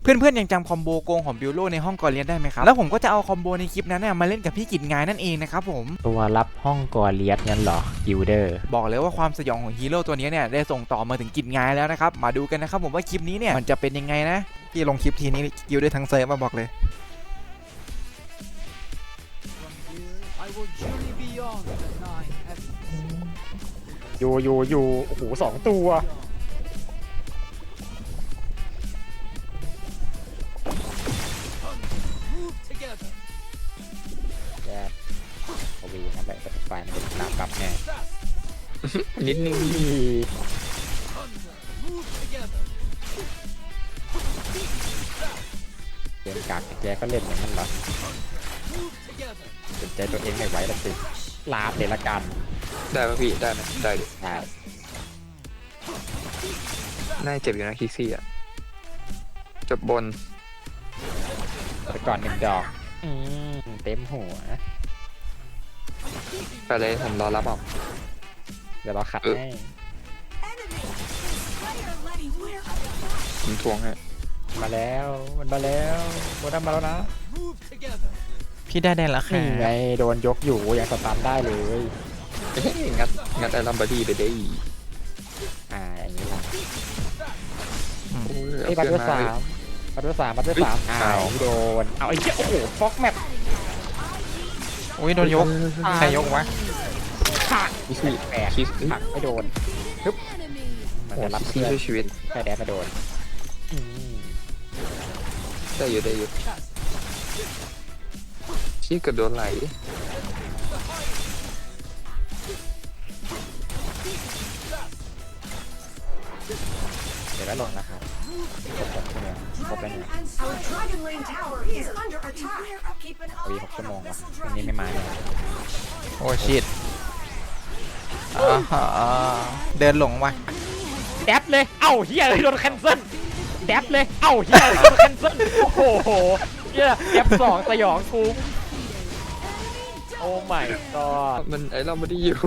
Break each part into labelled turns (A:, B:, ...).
A: เพื่อนๆยังจำคอมโบโกงของบิลโลในห้องก่อนเรียนได้ไหมครับแล้วผมก็จะเอาคอมโบในคลิปนั้นมาเล่นกับพี่กิจงายนั่นเองนะครับผม
B: ตัวรับห้องกอเลียสงั้นเหรอกิลเดอร์
A: บอกเลยว่าความสยองของฮีโร่ตัวนี้เนี่ยได้ส่งต่อมาถึงกิจงายแล้วนะครับมาดูกันนะครับผมว่าคลิปนี้เนี่ยมันจะเป็นยังไงนะที่ลงคลิปทีนี้กิลได้ทั้งเซิร์ฟมาบอกเลย
B: อยู่โอ้โห2 ตัวแย่โอวีทำแบบไฟมันเป็นตามกลับแน่
C: นิดนึง
B: เกมกากแกก็เล่นอย่างนั้นเหรอสนใจตัวเองไม่ไหวแล้วสิลาบเดละกัน
C: ได้ป่ะพี่ได้ไหมได้ดิ
B: ใช่
C: น่าเจ็บอยู่นะคิกซี่อ่ะจบบน
B: ไปก่อน1 ดอกเต็มหัว
C: ไปเลยผมรอรับเอา
B: เดี๋ยวเราขัดให้
C: ผมทวงให้
B: มาแล้วมันมาแล้วโคดัมมาแล้วนะ
A: พี่ได้แล้วค่ะ
B: นี่ไงโดนยกอยู่ยังสตาร์ทได้เลย
C: เฮ้ยงัดไอรัมบอดี้ไปได้อีก
B: อย่างนี้ละ
C: โอ้ย
B: ไอ้
C: เอา
B: บัต
C: เพื่
B: เต
C: อ
B: อน ร์
C: มา
B: 3บัตเตอร์3
C: อ้าว
B: โดนเอาไอ้เหี้ยโอ้โหฟ็อกแมป
A: อุ้ยโดนยกใครยกวะ
B: ขาด
C: คิกซี่
B: แปด
C: คิก
B: หักไม่โดนฮึบมัน
C: โอ้
B: จะรับ
C: คิกซี่
B: เพื่อน
C: ช่วยชีวิต
B: แค่แดดมาโดน
C: ได้อยู่ชี้เกือบโดนไหล
B: เดี๋ยวก็ลงนะครับครบ6 ชั่วโมงครบแล้วเนี่ย
D: Our Dragon Lane Tower is under attack. Keep an
B: วี
D: eye
B: 6 ชั่ว
D: on
B: โมง
D: our
B: ว่ะ
D: missile
B: วันนี้
D: dragon.
B: ไม่มาเนี่ย
A: โอ้ชิตเดินหลงว่ะ
B: แดบเลยเอ้าเฮียเลยโดนแคนเซิลแดบเลยเอ้าเฮียเลยโดนแคนเซิลโอ้โหเฮียแดบ2สยองกูโอ้ my god
C: มันไอรัมบอดี้อยู่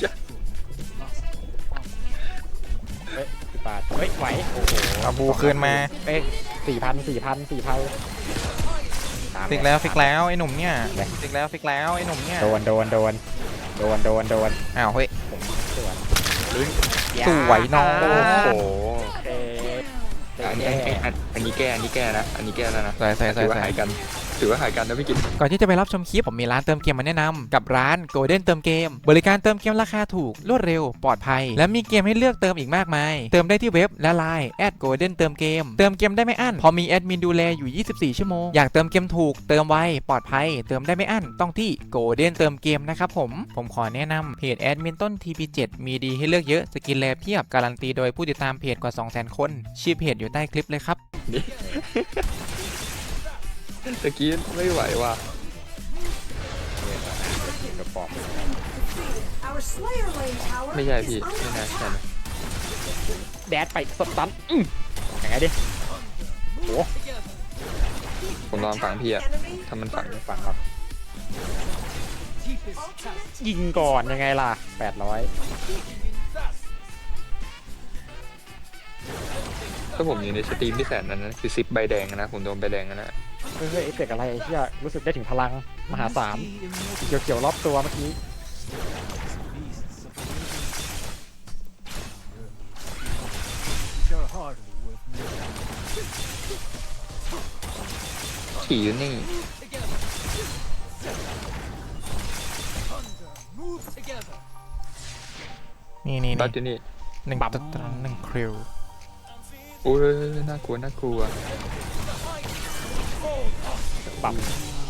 B: เฮ้ย10 บาทเฮ้ยไหวโอ้โห
A: เอาบูคืนมา
B: เอ้ย4,000
A: ฟิกแล้วไอ้หนุ่มเนี่ยฟิกแล้วไอ้หนุ่มเนี่ย
B: โดน
A: อ้าวเฮ้ย
B: สวน
A: สวยน้อง
C: โอ้โห
B: เอ๊ะ
C: อันนี้แก้นะอันนี้แก้แล้วนะ
A: ใส่
C: ถือว่าหายกันนะพี่กิต
A: ก่อนที่จะไปรับชมคลิปผมมีร้านเติมเกมมาแนะนำกับร้าน Golden เติมเกมบริการเติมเกมราคาถูกรวดเร็วปลอดภัยและมีเกมให้เลือกเติมอีกมากมายเติมได้ที่เว็บและไลน์@Golden เติมเกมได้ไม่อั้นพอมีแอดมินดูแลอยู่24 ชั่วโมงอยากเติมเกมถูกเติมไวปลอดภัยเติมได้ไม่อั้นต้องที่ Golden เติมเกมนะครับผมขอแนะนำเพจแอดมินต้น TP7 มีดีให้เลือกเยอะสกินแลเพียบการันตีโดยผู้ติดตามเพจกว่า 200,000 คนชื่อเพจอยู่ใต้คลิปเลยครับ
C: ตะกี้ไม่ไหวว่ะ
B: กระป๋อง
D: Our Slayer Lane Tower
C: ไม่ใช่
D: is
C: พี่
D: under
C: ไม่น่า
D: attack.
C: ใช่นะ
B: แดดไปสตันยังไงดิโอ้
C: ผมลองฝังพี่อะ
D: Enemy
C: ถ้ามันฝัง
B: ฝั่งครับ
D: ultimate
B: ยิงก่อนยังไงล่ะ800
C: ถ้าผมอยู่ในสตรีมที่แสนนั้นนะคือ10 ใบแดงนะผมโดนใบแดงนะ
B: เฮ้ยเอฟเฟกต์อะไรไอ้เหี้ยรู้สึกได้ถึงพลังมหาศาลสีเขียวๆรอบตัวเมื่อกี้
C: ขี่อยู่นี่
A: นี่
C: บัตอยู่นี่
A: หนึ่งตัดหนึ่งคริว
C: โอ้ยน่ากลัว
B: ปั๊ม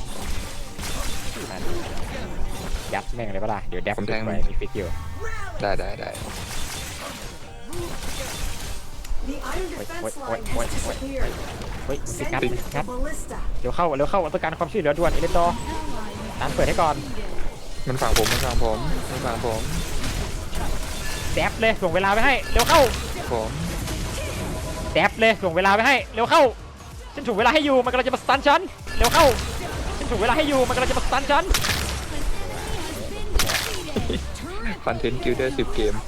B: ยัดแม่งเลยปะล่ะเดี๋ยวแดบขึ้นไปมีฟิกอยู่
C: ได้
D: The iron defense line has disappeared.
B: เฮ้ยฟิก
D: Send
B: งัด
D: in
B: ฟิก
D: the
B: งัด
D: ballista.
B: เดี๋ยวเข้าต้องการความช่วยเหลือด่วนเอเลนดอร์ร้านเปิดให้ก่อน
C: มันฝังผม
B: แดบเลยส่งเวลาไปให้เร็วเข้า
C: ผม
B: แดบเลยส่งเวลาไปให้เร็วเข้าฉันถูกเวลาให้อยู่มันกำลังจะมาสตันฉันเร็วเข้าฉันถูกเวลาให้อยู่มันกำลังจะมาสตันฉัน
C: คอนเทนต์กิลเดอร์10 เกม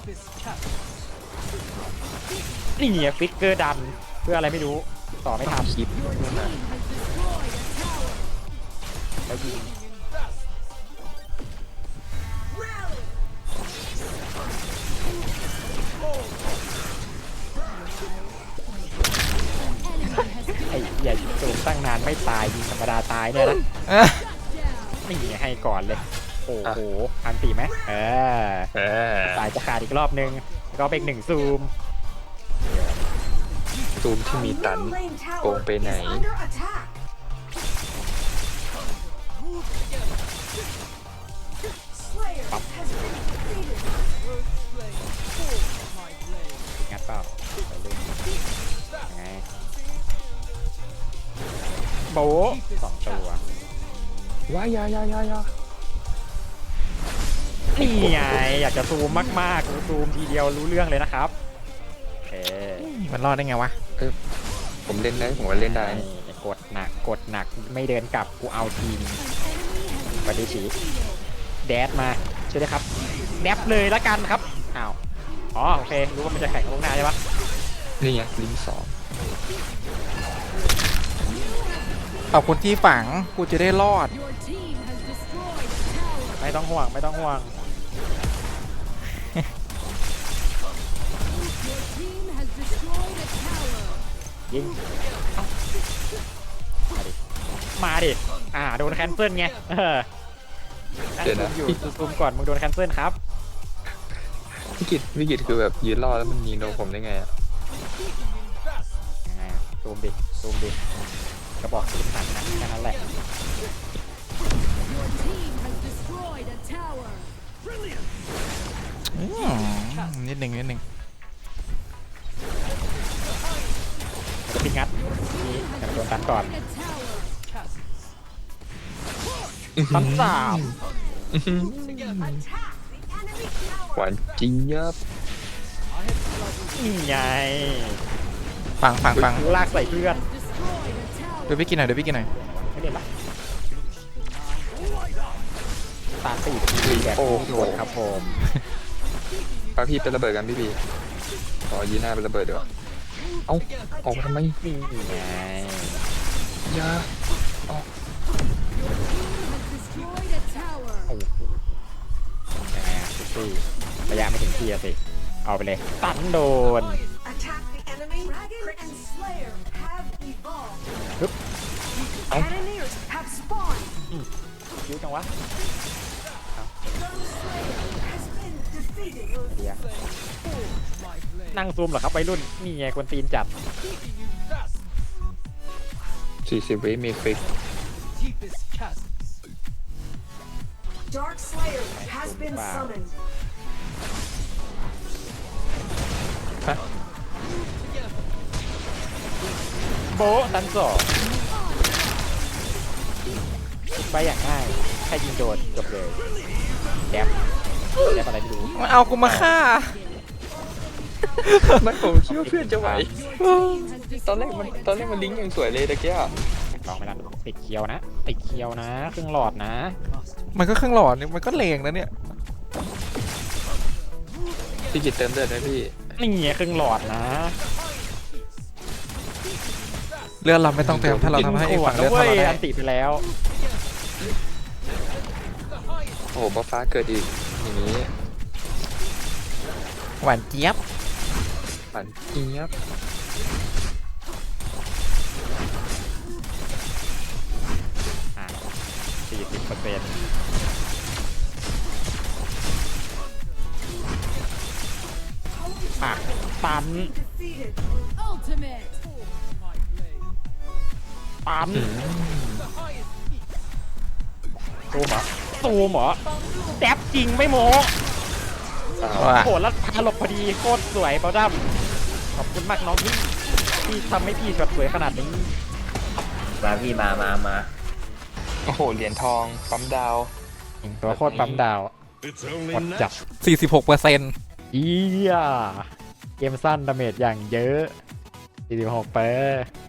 B: นี่ไงฟิกเกอร์ดันเพื่ออะไรไม่รู้ต่อไม่ทัน
C: คลิปนู่นน่ะ
B: แล้วยิงไอ้ใหญ่โจมตั้งนานไม่ตายยิงธรรมดาตายเนี่ยนะ
A: เอ้อ
B: นี่ให้ก่อนเลย โอ้โหอันตีไหม
C: เออ
B: สายจะขาดอีกรอบนึงแล้วก็เป็นหนึ่งซูม
C: ซูมที่มีตัน โกงไปไหน
B: งัดเปล่าไปเล่นยังไงโบะสองตัว
C: ว้ายายา
B: นี่ไงอยากจะซูมมากๆซูมทีเดียวรู้เรื่องเลยนะครับโอเค
A: มันรอดได้ไงวะ
C: ผมเล่นได้ผมก็เล่นได้
B: กดหนักไม่เดินกลับกูเอาทีมปฏิชีแดดมาช่วยด้วยครับแดบเลยละกันครับอ้าวอ๋อโอเครู้ว่ามันจะแข่งกับลงหน้าใช่ปะ
C: นี่ไงลิงสอง
A: ขอบคุณที่ฝังกูจะได้รอด
B: ไม่ต้องห่วงไม่ต้องห่วงยิงมาดิโดนแคนเซิลไง
C: เดี๋ยวนะ
B: อยู่ซูมก่อนมึงโดนแคนเซิลครับ
C: วิกฤตคือแบบยืนรอแล้วมันยิงโดนผมได้ไงอะ
B: ยังไงซูมดิกระบอกซูมหันนะแค่นั้นแหละ
A: นิดหนึ่ง
B: แล้วก็พิงัดนี่แต่โดนตันก่อนตันสาม
C: หวานจริงยับ
B: นี่ไง
A: ฟัง
B: ลากใส่เพื่อน
A: เดี๋ยวพี่กินหน่อย
B: ไม่เล่นปะตาตีทีแบบโดนครับผม
C: ป้าพี่เป็นระเบิดกันพี่ขอยีหน้าเป็นระเบิดเดี๋ยวเอ้าออกมาทำไม
B: นี่ไง
C: ยา
B: โอ้โหยังไงซิตี้ระยะไม่ถึงที่อะสิเอาไปเลยตันโดน
D: Attack the enemy. Dragon and Slayer have evolved.
B: Hup.
D: Cannoneers have spawned.
B: คิ้วจังวะ
D: Has been defeated.
B: เดี๋ยวนั่งซูมเหรอครับวัยรุ่นนี่ไงกวนตีนจัด
C: 40 วิมีฟิก
D: Dark Slayer has been
B: Wow.
D: summoned.
C: ฮะ
B: โบะตันสองไปอย่างง่ายแค่ยิงโดนจบเลยแดบอะไรไม่รู้
A: มาเอากูมาฆ่า
C: ไม่ผมคิดว่าเพื่อนจะไหวตอนแรกมันลิงก์อย่างสวยเลยตะเกีย
B: ลองไม่ได้ติดเคียวนะติดเคียวนะครึ่งหลอดนะ
A: มันก็เครื่องหลอดนี่มันก็แรงนะเนี่ย
C: พี่กิจเติมเลือดไหมพี่
B: นี่ไงครึ่งหลอดนะ
A: เลือดเราไม่ต้องเติมถ้าเราทำให้อีกฝั่งเลือด
B: เว้
A: เท่าย เราได้
B: อันติไปแล้ว
C: โอ้โหฟ้าเกิดอีกอย่างนี้
A: หวานเจี๊ยบ
C: ปั่นเจี๊ยบ
B: 40%ตัน
D: Defeated.
B: ตันซูมเหรอแดบจริงไม่โม้
A: ว่ะ
B: โหแล้วพาหลบพอดีโคตรสวยเบลดัมขอบคุณมากน้องที่ทำให้พี่ช็อตสวยขนาดนี้
E: มาพี่มา
C: โอ้โหเหรียญทองปั๊มดาว
B: ตัวโคตรปั๊มดาวหมดจับ
A: 46%
B: เกมสั้นดาเมจอย่างเยอะ 46%เปอร์